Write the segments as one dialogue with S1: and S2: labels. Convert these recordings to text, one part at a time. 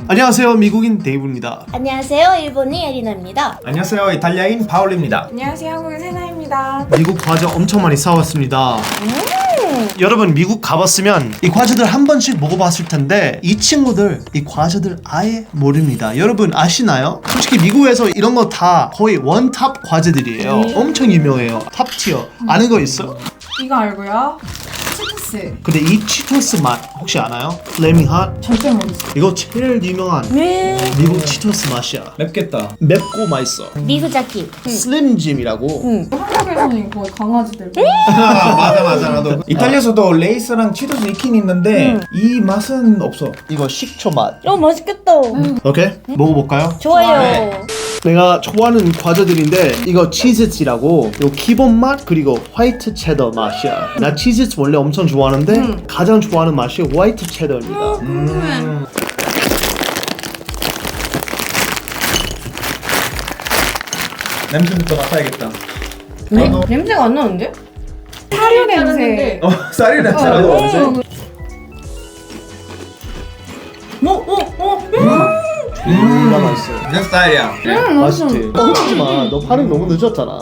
S1: 안녕하세요, 미국인 데이브입니다.
S2: 안녕하세요, 일본인 에리나입니다.
S3: 안녕하세요, 이탈리아인 파울입니다.
S4: 안녕하세요, 한국인 세나입니다.
S1: 미국 과자 엄청 많이 사왔습니다. 여러분 미국 가봤으면 이 과자들 한 번씩 먹어봤을 텐데 이 친구들 이 과자들 아예 모릅니다. 여러분 아시나요? 솔직히 미국에서 이런 거 다 거의 원탑 과자들이에요. 엄청 유명해요. 탑티어. 아는 거 있어?
S4: 이거 알고요. 치토스.
S1: 근데 이 치토스 맛 혹시 아나요? 플레밍 핫?
S4: 절대 모르겠어요.
S1: 이거 제일 유명한 미국 치토스 맛이야.
S3: 맵겠다.
S1: 맵고 맛있어.
S2: 미후자키.
S1: 슬림짐이라고.
S4: 한국에서는 거의 강아지들.
S3: 맞아 나도. 이탈리아에서도 레이스랑 치토스 있긴 있는데 이 맛은 없어.
S1: 이거 식초 맛.
S2: 맛있겠다.
S1: 오케이? 먹어볼까요?
S2: 좋아요.
S3: 네.
S1: 내가 좋아하는 과자들인데 이거 치즈치라고 요 기본 맛 그리고 화이트 체더 맛이야. 나 치즈치 원래 엄청 좋아하는데 가장 좋아하는 맛이 화이트 체더입니다.
S3: 냄새부터 맡아야겠다.
S2: 네? 냄새가 안 나는데?
S4: 사료 냄새.
S3: 쌀이 냄새라고.
S1: 진짜 맛있어.
S3: 내 스타일이야.
S1: 맛있지? 뻥치지 마. 너 반응 너무 늦었잖아.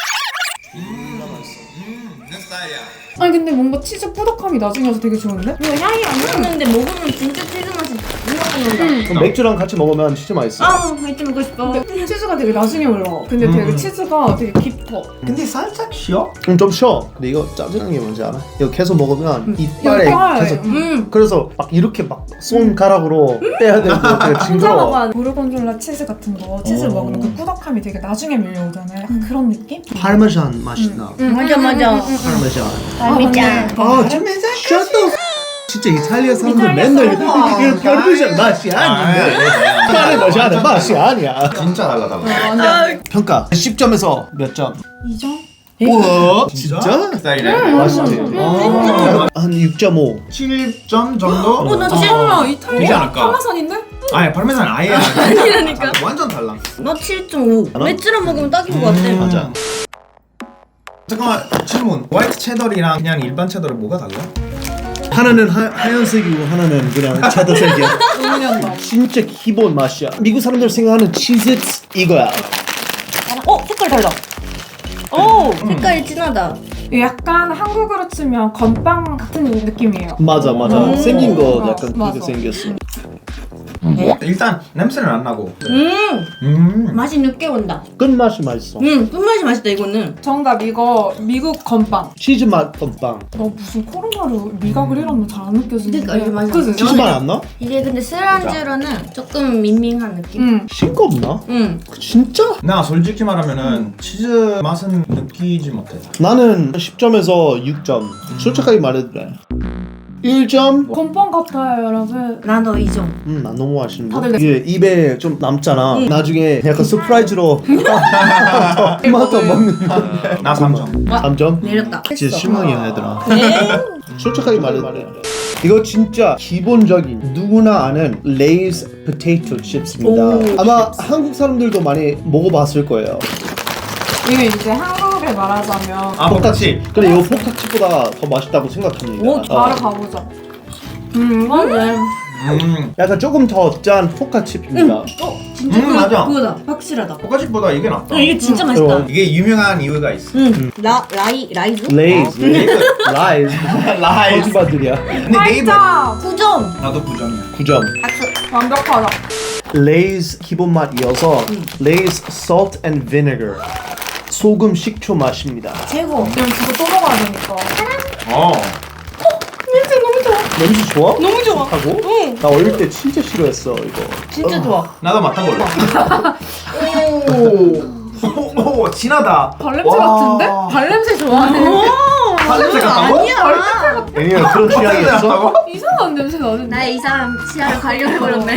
S3: 내 스타일이야.
S4: 아니 근데 뭔가 치즈 뿌덕함이 나중에 와서 되게 좋은데?
S2: 이거 향이 안 나는데 먹으면 진짜 치즈 맛이 나는다.
S1: 그럼 맥주랑 같이 먹으면 진짜 맛있어.
S2: 아, 맛있게 먹고 싶어.
S4: 근데 치즈가 되게 나중에 올라와. 근데 되게 치즈가 되게 깊어.
S3: 근데 살짝 쉬어?
S1: 좀 쉬어. 근데 이거 짜증난 게 뭔지 알아? 이거 계속 먹으면 이빨에
S4: 이빨.
S1: 계속 그래서 막 이렇게 막 손가락으로 빼야 되고 되게
S4: 혼자
S1: 징그러워.
S4: 먹어야 고르곤졸라 치즈 같은 거 치즈 먹으면 그 뿌덕함이 되게 나중에 밀려오잖아요. 약간 그런 느낌?
S1: 파르메잔 맛이 나.
S2: 맞아.
S1: 파르메잔.
S2: 맛있다.
S1: 아, 좀 셔터. 진짜 이탈리아 사람들 맨날 이거 파르메잔 맛이 아닌데. 파르메잔 맛이 아니야.
S3: 진짜 달라.
S1: 평가 10점에서 몇 점?
S4: 2점?
S1: 우와, 진짜?
S3: 스타일이네.
S1: 맛있지? 한 6.5.
S3: 7점 정도?
S2: 나
S3: 되지
S4: 이탈리아
S3: 않을까?
S4: 파마산인데?
S3: 아니 파르메산 아예 아니라니까. 완전 달라.
S2: 너 7.5. 맥주랑 먹으면 딱인 것 같아.
S1: 맞아.
S3: 잠깐만 질문. 화이트 체더리랑 그냥 일반 체더리 뭐가 달라?
S1: 하나는 하얀색이고 하나는 그냥 체다색이야.
S4: 음료다.
S1: 진짜 기본 맛이야. 미국 사람들 생각하는 치즈 이거야.
S2: 색깔 달라. 오, 색깔이 진하다.
S4: 약간 한국으로 치면 건빵 같은 느낌이에요.
S1: 맞아. 생긴 거 약간
S4: 맞아.
S1: 그렇게 생겼어.
S3: 일단 냄새는 안 나고.
S2: 맛이 늦게 온다.
S1: 끝맛이 맛있어.
S2: 끝맛이 맛있다 이거는.
S4: 정답 이거 미국 건빵.
S1: 치즈 맛 건빵.
S4: 너 무슨 코로나로 미각을 잃었나 잘 안 느껴지는데.
S2: 그러니까, 맞아.
S4: 그치?
S1: 치즈 맛 안 나?
S2: 이게 근데 술안주로는 조금 밍밍한 느낌.
S1: 싱겁나?
S2: 응.
S1: 진짜?
S3: 나 솔직히 말하면은 치즈 맛은 느끼지 못해.
S1: 나는 10점에서 6점. 솔직하게 말해도 돼. 1점?
S4: 건빵 같아요 여러분.
S2: 나도 2점.
S1: 난 너무 맛있는데?
S4: 다들
S1: 이게 입에 좀 남잖아. 나중에 약간 서프라이즈로 토마토 먹는 거.
S3: 나 3점.
S1: 3점?
S2: 내렸다.
S1: 진짜 실망이야 얘들아.
S2: 네.
S1: 솔직하게 말해도 돼. 이거 진짜 기본적인 누구나 아는 레이즈 포테이토 칩스입니다. 아마 한국 사람들도 많이 먹어봤을 거예요.
S4: 이게 이제 한국에 말하자면
S3: 아 포카치.
S1: 근데 이거 포카칩보다 더 맛있다고 생각합니다.
S2: 오,
S4: 바로 가보자.
S2: 이거는
S1: 약간 조금 더 짠 포카칩입니다.
S2: 진짜
S3: 맞아.
S2: 그거다. 확실하다.
S3: 포카치보다 이게 낫다.
S2: 이게 진짜 맛있다.
S3: 이게 유명한 이유가 있어.
S2: 라이즈?
S1: 레이즈, 라이즈,
S3: 라이즈.
S1: 거짓말들이야.
S3: 근데 네이버
S4: 8점!
S2: 9점.
S3: 나도 9점이야.
S1: 9점.
S2: 박수.
S4: 완벽하다.
S1: 레이즈 기본 맛이어서 레이즈 salt and vinegar 소금 식초 맛입니다.
S2: 최고.
S4: 그럼 그거 또 먹어야 되니까.
S2: 냄새 너무 좋아.
S1: 냄새 좋아?
S2: 너무 좋아.
S1: 하고?
S2: 응.
S1: 나 어릴 때 진짜 싫어했어 이거.
S2: 진짜 좋아.
S3: 나도 맡아볼래. 오, 진하다.
S4: 발냄새 같은데? 발냄새 좋아하네.
S3: 발냄새 같다고?
S2: 아니야.
S1: 애니야 그런 취향이 있어?
S4: 이상한 냄새 나는데.
S2: 나의 이상한 치아를 발견해버렸네.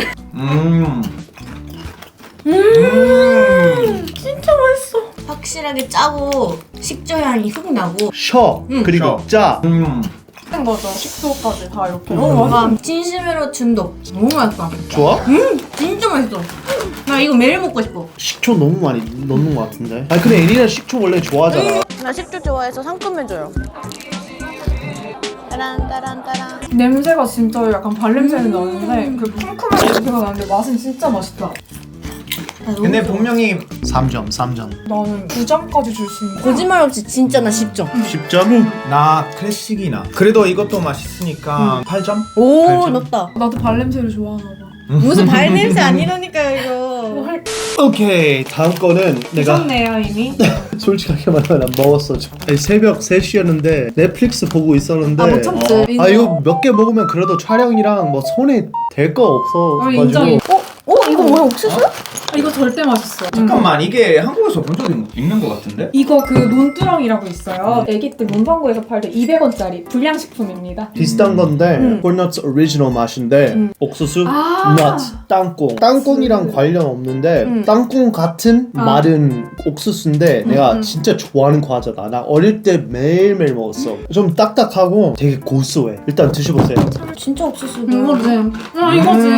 S2: 진짜 맛있어. 확실하게 짜고 식초 향이 훅 나고.
S1: 셔 그리고
S3: 셔.
S1: 짜.
S4: 된 거죠. 식초까지 다 이렇게.
S2: 와, 진심으로 중독. 너무 맛있다.
S1: 좋아?
S2: 진짜 맛있어. 나 이거 매일 먹고 싶어.
S1: 식초 너무 많이 넣는 것 같은데. 아니 근데 애니는 식초 원래 좋아하잖아.
S2: 나 식초 좋아해서 상큼해져요. 따란따란따란.
S4: 냄새가 진짜 약간 발냄새는 나는데 그 쿰쿰한 냄새가 나는데 맛은 진짜 맛있다.
S3: 근데 분명히
S1: 3점 3점.
S4: 나는 9점까지 줄 수 있는.
S2: 거짓말 없이 진짜 나 10점.
S1: 10점?
S3: 나 클래식이나 그래도 이것도 맛있으니까 8점?
S2: 오,
S3: 알죠?
S2: 높다.
S4: 나도 발냄새를 좋아하나 봐.
S2: 무슨 발냄새 아니라니까요, 이거.
S1: 오케이 다음 거는 내가
S4: 드셨네요 이미.
S1: 솔직하게 말하면 안 먹었어. 아니, 새벽 3시였는데 넷플릭스 보고 있었는데
S4: 못 참지.
S1: 아 이거 몇 개 먹으면 그래도 촬영이랑 뭐 손에 될 거 없어.
S4: 인정이.
S2: 이거 뭐야, 옥수수?
S4: 이거 절대 맛있어.
S3: 잠깐만 이게 한국에서 본 적이 있는 것 같은데?
S4: 이거 그 논두렁이라고 있어요. 애기 때 문방구에서 팔 때 200원짜리 불량식품입니다.
S1: 비슷한 건데 콜넛 오리지널 맛인데 옥수수, 넛, 땅콩. 땅콩이랑 관련 없는데 땅콩 같은 마른 옥수수인데 내가 진짜 좋아하는 과자다. 나 어릴 때 매일매일 먹었어. 좀 딱딱하고 되게 고소해. 일단 드셔보세요.
S2: 진짜 옥수수.
S4: 이거지. 이거지.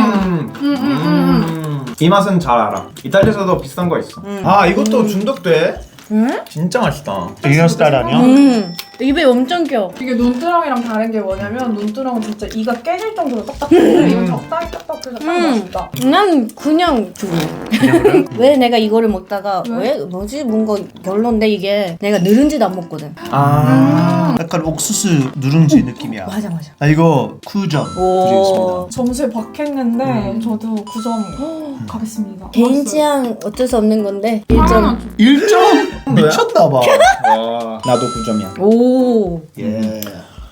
S3: 이 맛은 잘 알아. 이탈리아에서도 비슷한 거 있어. 아 이것도 중독돼? 진짜 맛있다.
S1: 이런 스타일 아니야?
S2: 입에 엄청 껴.
S4: 이게 논두렁이랑 다른 게 뭐냐면 논두렁은 진짜 이가 깨질 정도로 딱딱한데 이건 적당히 딱딱해서 딱 맛있다.
S2: 난 그냥 주고. 왜 내가 이거를 먹다가 왜 뭐지 뭔가 별론데 이게 내가 누룽지도 안 먹거든.
S3: 아
S1: 약간 옥수수 누룽지 느낌이야.
S2: 맞아.
S1: 아 이거 9점 드리겠습니다.
S4: 점수에 박했는데 저도 9점 가겠습니다.
S2: 개인 취향 어쩔 수 없는 건데 1점.
S1: 1점? 미쳤나봐.
S3: 와, 나도 9점이야.
S2: 오.
S1: 예.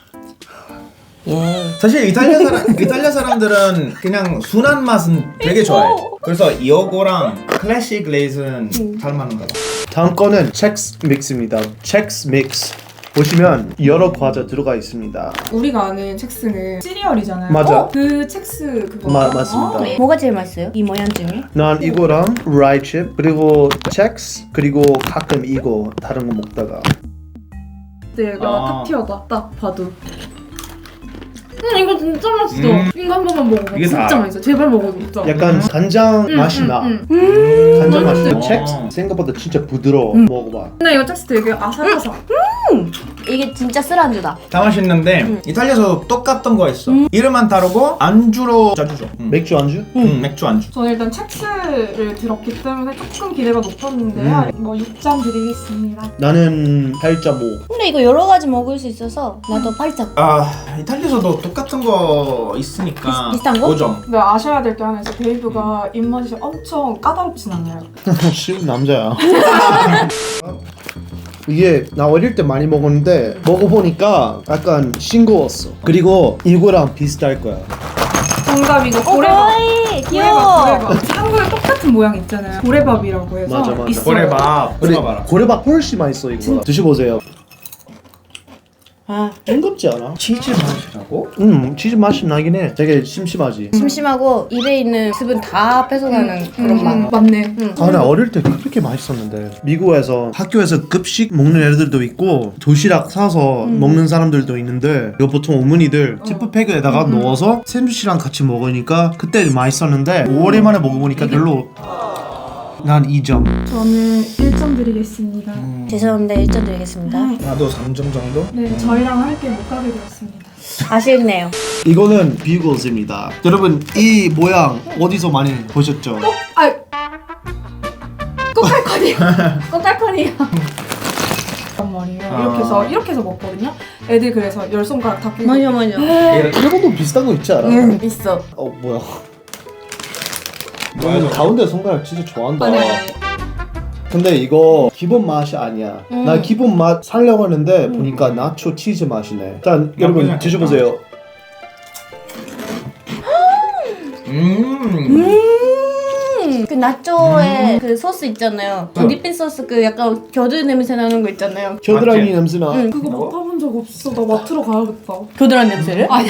S3: 사실 이탈리아 사람들은 그냥 순한 맛은 되게 좋아해. 그래서 이거랑 클래식 레이즈는 잘 맞는가 봐.
S1: 다음 거는 첵스 믹스입니다. 첵스 믹스. 보시면 여러 과자 들어가 있습니다.
S4: 우리가 아는 첵스는 시리얼이잖아요.
S1: 맞아.
S4: 그 첵스 그거.
S1: 맞습니다.
S2: 뭐가 제일 맛있어요? 이 모양 중에?
S1: 난 이거랑 라이칩 그리고 첵스 그리고 가끔 이거 다른 거 먹다가
S4: 내가
S3: 아.
S4: 탑 티어다. 딱 봐도. 이거 진짜 맛있어. 이거 한 번만 먹어봐.
S3: 이게
S4: 진짜
S3: 다-
S4: 맛있어. 제발 먹어줘. 진짜.
S1: 약간 간장 맛이 나. 간장 맛이 나. 첵스 생각보다 진짜 부드러워. 먹어봐.
S4: 근데 이거 첵스 되게 아삭아삭.
S2: 이게 진짜 술안주다.
S3: 다 맛있는데 이탈리아에서 똑같은 거 있어. 이름만 다르고 안주로 자주 줘.
S1: 맥주 안주?
S3: 맥주 안주.
S4: 저는 일단 첵스를 들었기 때문에 조금 기대가 높았는데요. 뭐 6점 드리겠습니다.
S1: 나는 8.5.
S2: 근데 이거 여러 가지 먹을 수 있어서 나도 8점.
S3: 아 이탈리아에서도 똑같은 거 있으니까
S2: 비슷한 거?
S3: 5점.
S4: 근데 아셔야 될 게 하나 있어. 데이브가 입맛이 엄청 까다롭진 않아요.
S1: 쉬운 남자야. 이게 나 어릴 때 많이 먹었는데 먹어보니까 약간 싱거웠어. 그리고 이거랑 비슷할 거야.
S4: 정답 이거 고래밥.
S2: 어이 귀여워.
S4: 고래밥. 한국에 똑같은 모양 있잖아요. 고래밥이라고 해서
S1: 맞아.
S4: 있어요.
S3: 고래밥.
S1: 그래,
S3: 들어봐라.
S1: 고래밥 훨씬 맛있어 이거. 드셔보세요.
S2: 아,
S1: 싱겁지 않아?
S3: 치즈 맛이라고?
S1: 치즈 맛이 나긴 해. 되게 심심하지.
S2: 심심하고 입에 있는 습은 다 뺏어가는 그런 맛.
S4: 맞네.
S1: 아, 나 어릴 때 그렇게 맛있었는데. 미국에서 학교에서 급식 먹는 애들도 있고 도시락 사서 먹는 사람들도 있는데 이거 보통 어머니들 지퍼백에다가 넣어서 샌드위치랑 같이 먹으니까 그때 맛있었는데 오랜만에 먹어보니까 별로. 난 2점.
S4: 저는 1점 드리겠습니다.
S2: 죄송한데 1점 드리겠습니다.
S3: 나도 3점 정도?
S4: 네, 저희랑 함께 못 가게 되었습니다.
S2: 아쉽네요.
S1: 이거는 비글즈입니다. 여러분 이 모양 어디서 많이 보셨죠?
S4: 아, 꼬깔콘이야. 꼬깔콘이야. 말이에요. 이렇게 해서 먹거든요. 애들 그래서 10손가락 다 끼고.
S2: 맞아.
S1: 이거도 비슷한 거 있지 않아?
S2: 있어.
S1: 뭐야? 너는 가운데 손가락 진짜 좋아한다. 근데 이거 기본 맛이 아니야. 나 기본 맛 살려고 하는데 보니까 나초 치즈 맛이네. 일단 여러분
S3: 않겠다.
S1: 드셔보세요.
S2: 그 나초에 그 소스 있잖아요. 디핀 소스 그 약간 겨드 냄새 나는 거 있잖아요.
S1: 겨드랑이
S3: 맞지?
S1: 냄새나.
S4: 그거 맡아본 적 없어. 나 마트로 가야겠다.
S2: 겨드랑이 냄새를?
S4: 아니.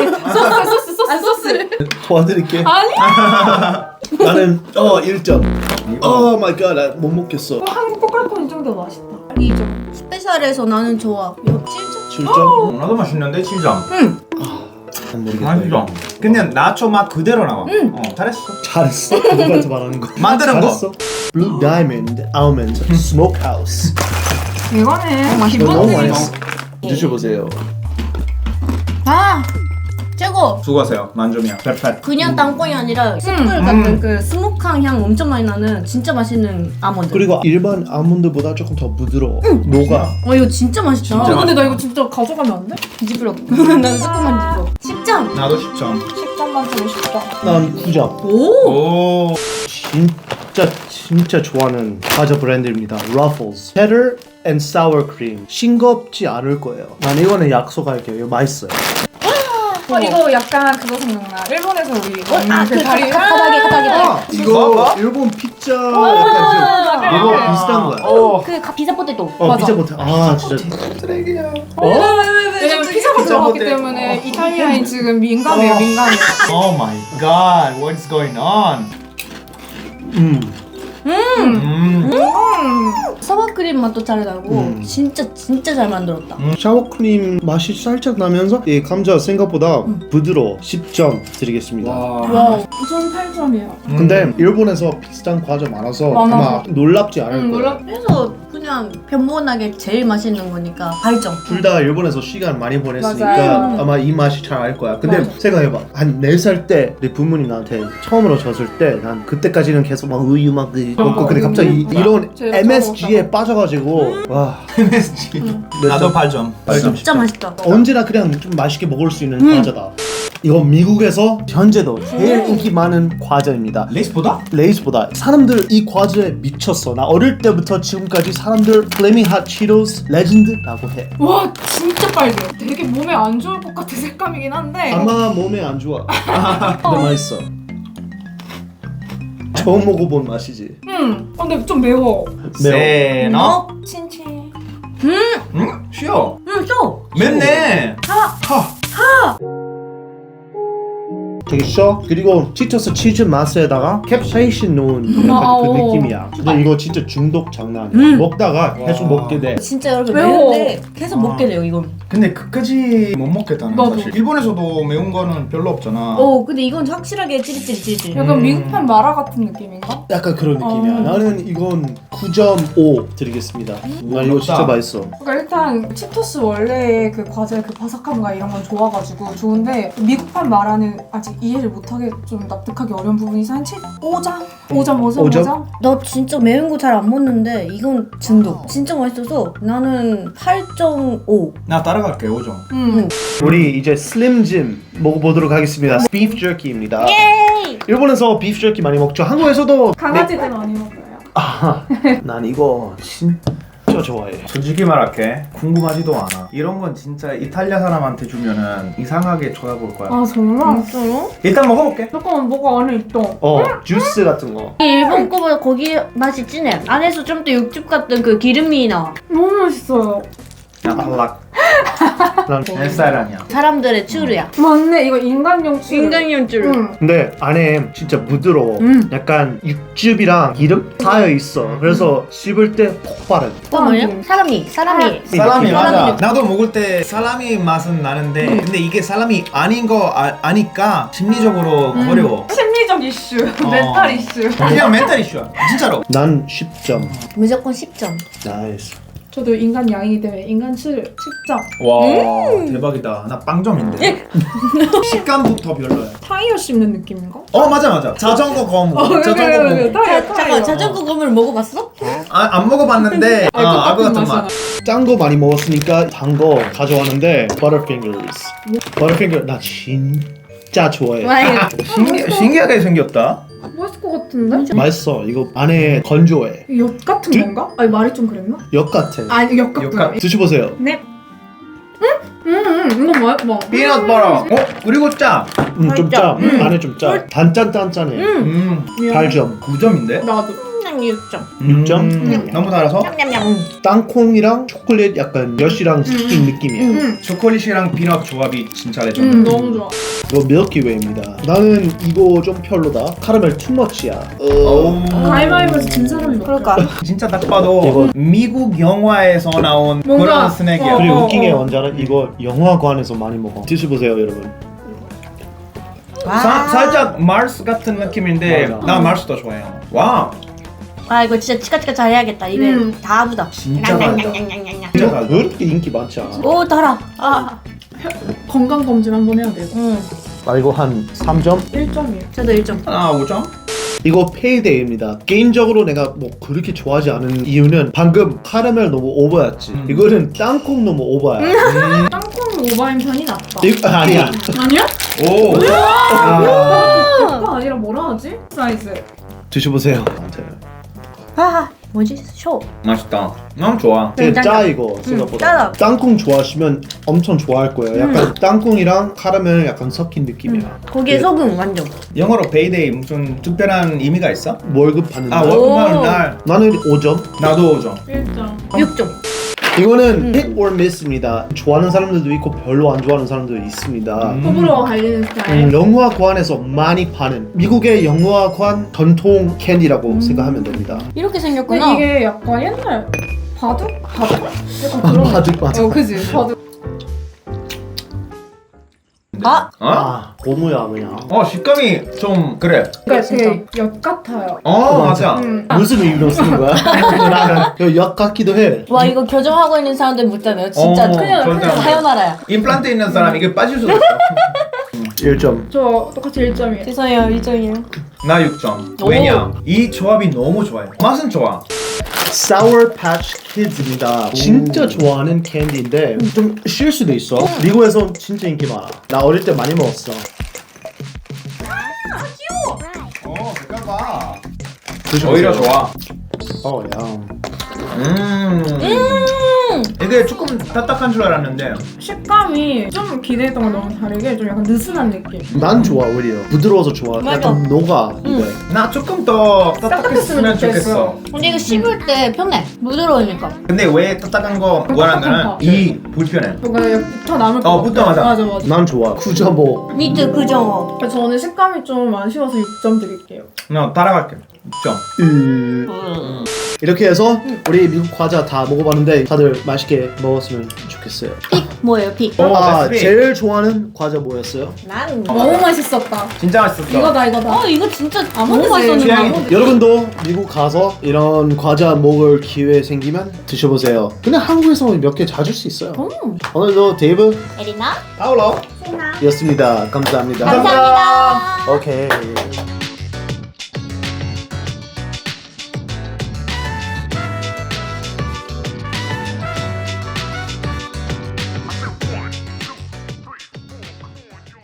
S4: 소스를.
S1: 도와드릴게.
S4: 아니.
S1: 나는 1점. 오 마이 갓, 나 못 먹겠어.
S4: 한국 꼬깔콘이 좀 더 맛있다. 2점.
S2: 스페셜에서 나는 좋아. 이거 7점?
S1: 7점?
S3: 나도 맛있는데 7점.
S1: 난 모르겠다.
S3: 맛있어. 그냥 나초 맛 그대로 나와. 잘했어.
S1: 잘했어. 누구한테 말하는 거?
S3: 만드는 거.
S1: 잘했어. Blue Diamond Almond Smokehouse.
S4: 이거는
S1: 이거 너무
S4: 기본적인
S1: 맛있어. 드셔보세요.
S2: 아 최고.
S3: 수고하세요. 만점이야. perfect.
S2: 그냥 땅콩이 아니라 숯불 같은 그 스모크한 향 엄청 많이 나는 진짜 맛있는 아몬드.
S1: 그리고 일반 아몬드보다 조금 더 부드러워. 녹아.
S2: 이거 진짜 맛있다.
S4: 근데 나 이거 진짜 가져가면 안 돼?
S2: 뒤집으러. 나는 조금만 뒤집어. 10점.
S3: 나도 10점.
S4: 10점 만점에 10점.
S1: 난 9점.
S2: 오.
S3: 오.
S1: 진짜 좋아하는 과자 브랜드입니다. Ruffles. Cheddar and sour cream. 싱겁지 않을 거예요. 난 이거는 약속할게요. 이거 맛있어요.
S4: 이거 약간 그거 생각나. 일본에서 우리
S2: 그
S4: 다리
S2: 가닥이.
S1: 이거 일본 피자 약간 이거 비슷한 거야.
S2: 그 피자 포테토.
S1: 피자 포테. 진짜
S3: 쓰레기야.
S4: 왜냐면 피자가 들어갔기 때문에 이탈리아인 지금 민감해요, 민감해.
S3: Oh my god, what's going on?
S2: 사과크림 맛도 잘 나고 진짜 잘 만들었다.
S1: 샤워크림 맛이 살짝 나면서 이 감자 생각보다 부드러워. 10점 드리겠습니다.
S4: 와, 전 8점이에요.
S1: 근데 일본에서 비슷한 과자 많아서 아마 놀랍지 않을 거예요.
S2: 그래서 그냥 변모나게 제일 맛있는 거니까 8점.
S1: 둘 다 일본에서 시간 많이 보냈으니까
S4: 맞아요.
S1: 아마 이 맛이 잘 알 거야. 근데
S2: 맞아.
S1: 생각해봐. 한 4살 때 내 부모님 나한테 처음으로 줬을 때 난 그때까지는 계속 막 우유 막 먹고 근데 갑자기 이런
S4: 제일
S1: MSG에 빠져가지고 와
S3: MSG. 나도 8점.
S2: 진짜 맛있다.
S1: 언제나 그냥 좀 맛있게 먹을 수 있는 과자다. 이거 미국에서 현재도 제일 인기 많은 과자입니다.
S3: 레이스보다?
S1: 레이스보다 사람들 이 과자에 미쳤어. 나 어릴 때부터 지금까지 사람들 플레밍 핫 치토스 레전드라고 해.
S4: 와, 진짜 빨개. 되게 몸에 안 좋을 것 같은 색감이긴 한데.
S1: 아마 몸에 안 좋아. 근데 맛있어. 처음 먹어본 맛이지.
S4: 근데 좀 매워.
S3: 세너?
S4: 친친.
S3: 쉬어.
S2: 쇼.
S3: 맵네.
S1: 되게 셔. 그리고 치토스 치즈 맛에다가 캡사이신 넣은 약간 그
S4: 오.
S1: 느낌이야. 근데 이거 진짜 중독 장난 아니야. 먹다가 계속 먹게 돼.
S2: 진짜 여러분
S4: 매워.
S2: 매운데 계속 먹게 돼요 이건.
S3: 근데 끝까지 못 먹겠다는
S4: 나도.
S3: 사실. 일본에서도 매운 거는 별로 없잖아.
S2: 근데 이건 확실하게 찌릿찌릿.
S4: 약간 미국판 마라 같은 느낌인가?
S1: 약간 그런 느낌이야. 나는 이건 9.5 드리겠습니다. 나 이거 진짜 맛있어.
S4: 그러니까 일단 치토스 원래의 그 과자의 그 바삭함과 이런 건 좋아가지고 좋은데 미국판 마라는 아직 이해를 못하게 좀 납득하기 어려운 부분이 있어. 한 5점? 5점?
S2: 나 진짜 매운 거 잘 안 먹는데 이건 중독. 진짜 맛있어서 나는 8.5.
S3: 나 따라갈게 5점.
S1: 우리 이제 슬림짐 먹어보도록 하겠습니다. 비프 jerky입니다. 일본에서 비프 jerky 많이 먹죠. 한국에서도
S4: 강아지들 많이 먹어요.
S1: 난 이거 진짜 좋아해.
S3: 솔직히 말할게 궁금하지도 않아. 이런 건 진짜 이탈리아 사람한테 주면은 이상하게 쳐다볼 거야.
S4: 아 정말?
S3: 일단 먹어볼게.
S4: 잠깐만 뭐가 안에 있다.
S1: 주스 같은 거.
S2: 일본 거보다 고기 맛이 진해. 안에서 좀 더 육즙 같은 그 기름이 나.
S4: 너무 맛있어요.
S3: 야 탈락.
S1: 난
S3: 내 스타일 아니야.
S2: 사람들의 추루야.
S4: 맞네, 이거 인간용 추.
S2: 인간용 추루.
S1: 근데 안에 진짜 부드러워. 약간 육즙이랑 기름 쌓여 있어. 그래서 씹을 때 폭발해.
S2: 또 뭐냐? 사람이.
S3: 살라미 맞아.
S2: 느낌.
S3: 나도 먹을 때 살라미 맛은 나는데 근데 이게 살라미 아닌 거 아니까 심리적으로 어려워.
S4: 심리적 이슈, 멘탈 이슈.
S3: 그냥 멘탈 이슈야. 진짜로.
S1: 난 10점.
S2: 무조건 10점.
S1: 나이스.
S4: 저도 인간 양이기 때문에 인간 추 10점.
S3: 와 대박이다. 나 빵점인데. 식감부터 별로야.
S4: 타이어 씹는 느낌인가?
S3: 맞아. 자전거 거무. 자전거 거무.
S2: 잠깐 자전거 건물 먹어봤어?
S3: 안 먹어봤는데 아구 같은 맛.
S1: 짠 거 많이 먹었으니까 단 거 가져왔는데 Butterfingers. Butterfinger 나 진짜 좋아해.
S3: 신기하게 생겼다.
S4: 맛있을 것 같은데?
S1: 맛있어. 이거 안에 건조해.
S4: 엿 같은 건가? 아니 말이 좀 그랬나?
S1: 역 같아.
S4: 아니 엿 같구나.
S3: 엿 같-
S1: 드셔보세요.
S4: 네. 이거 뭐야? 뭐?
S3: 피넛 버터. 그리고 짜.
S1: 좀 짜. 안에 좀 짜. 단짠단짠해. 8점.
S3: 9점인데?
S4: 나도.
S2: 그냥 6점.
S1: 6점?
S3: 너무 달아서?
S2: 냠냠냠.
S1: 땅콩이랑 초콜릿 약간 엿이랑 섞인 느낌이야.
S3: 초콜릿이랑 피넛 조합이 진짜 레전드.
S4: 너무 좋아.
S1: 이거 밀키웨이입니다. 나는 이거 좀 별로다. 카라멜 투머치야.
S4: 가위바위보에서 진 사람이 몇
S2: 그럴까?
S3: 진짜 딱 봐도
S1: 이거-
S3: 미국 영화에서 나온
S4: 뭔가-
S3: 그런 스낵이야.
S1: 그리고 웃긴 게 뭔지 알아? 이거 영화관에서 많이 먹어. 드셔보세요 여러분.
S3: 살짝 마르스 같은 느낌인데
S1: 맞아.
S3: 나 마르스 더 좋아해요. 와
S2: 이거 진짜 치카치카 잘 해야겠다. 입에 다 아프다.
S3: 진짜 달다.
S2: 냥냥냥냥냥냥.
S3: 진짜
S1: 이거
S3: 달다.
S1: 왜 이렇게 인기 많지 않아?
S2: 오 달아.
S4: 건강 검진 한번 해야 돼요.
S1: 아 이거 한 3점?
S4: 1점이에요.
S2: 저도 1점.
S3: 하나 5점?
S1: 이거 페이데이입니다. 개인적으로 내가 뭐 그렇게 좋아하지 않은 이유는 방금 카라멜 너무 오버였지. 이거는 땅콩 너무 오버야.
S4: 땅콩 오바인 편이 낫다.
S1: 이거 아니야.
S4: 아니야?
S3: 오!
S4: 오빠 아니라 뭐라 하지? 사이즈.
S1: 드셔보세요.
S2: 하하. 뭐지? 쇼.
S3: 맛있다. 너무 좋아.
S1: 되게 짜 이거 생각보다.
S2: 짜다.
S1: 땅콩 좋아하시면 엄청 좋아할 거예요. 약간 땅콩이랑 카라멜 약간 섞인 느낌이야.
S2: 거기에 소금 완전.
S3: 영어로 베이데이 무슨 특별한 의미가 있어?
S1: 월급 받는
S3: 아
S1: 날.
S3: 월급 받는 날.
S1: 나는 5점.
S3: 나도 5점.
S4: 1점.
S2: 6점.
S1: 이거는 hit or miss입니다. 좋아하는 사람들도 있고 별로 안 좋아하는 사람도 있습니다.
S4: 호불호가 갈리는 스타일.
S1: 영화관에서 많이 파는 미국의 영화관 전통 캔디라고 생각하면 됩니다.
S2: 이렇게
S4: 근데
S2: 생겼구나.
S4: 이게 약간 옛날 바둑? 바둑? 약간 그런.
S1: 바둑 바둑.
S4: 그지? 바둑.
S2: 아!
S3: 어?
S1: 고무야 그냥.
S3: 식감이 좀 그래.
S4: 그러니까
S2: 진짜.
S4: 되게 엿 같아요.
S3: 맞아.
S1: 무슨 의미로 쓰는 거야? 나는 역 같기도 해.
S2: 와 이거 교정하고 있는 사람들 묻잖아요. 진짜
S3: 그냥
S2: 사연하라야.
S3: 임플란트 있는 사람 이게 빠질 수도 있어.
S1: 1점.
S4: 저 똑같이 1점이에요.
S2: 죄송해요 1점이에요.
S3: 나 6점.
S2: 오.
S3: 왜냐? 이 조합이 너무 좋아요. 맛은 좋아.
S1: Sour Patch Kids입니다. 진짜 좋아하는 캔디인데 좀 쉴 수도 있어. 미국에서 진짜 인기 많아. 나 어릴 때 많이 먹었어.
S3: 색깔 봐.
S1: 드셔보세요.
S3: 오히려 좋아.
S1: 야.
S3: 이게 조금 딱딱한 줄 알았는데
S4: 식감이 좀 기대했던 건 너무 다르게 좀 약간 느슨한 느낌.
S1: 난 좋아 오히려. 부드러워서 좋아.
S2: 맞아.
S1: 약간 녹아 입에.
S3: 나 조금 더 딱딱했으면 좋겠어.
S2: 근데 이거 씹을 때 편해. 부드러우니까.
S3: 근데 왜 딱딱한 거 원하면은 이 불편해.
S4: 뭔가 붙어 남을 것 같아.
S3: 붙어, 맞아.
S4: 맞아.
S1: 난 좋아. 9.5.
S2: 미트 그죠?
S4: 그래서 저는 식감이 좀 아쉬워서 6점 드릴게요.
S3: 나 따라갈게. 6점.
S1: 이렇게 해서 우리 미국 과자 다 먹어봤는데 다들 맛있게 먹었으면 좋겠어요.
S2: 픽 뭐예요 픽?
S3: 베스트 픽.
S1: 제일 좋아하는 과자 뭐였어요?
S2: 난
S4: 너무 맛있었다.
S3: 진짜 맛있었어.
S2: 이거다. 이거 진짜 아무도
S4: 너무
S2: 맛있었는데.
S3: 취향이-
S1: 여러분도 미국 가서 이런 과자 먹을 기회 생기면 드셔보세요. 그냥 한국에서 몇 개 찾을 수 있어요. 오늘도 데이브
S2: 에리나?
S3: 파울로.
S1: 였습니다. 감사합니다.
S2: 감사합니다.
S1: 오케이.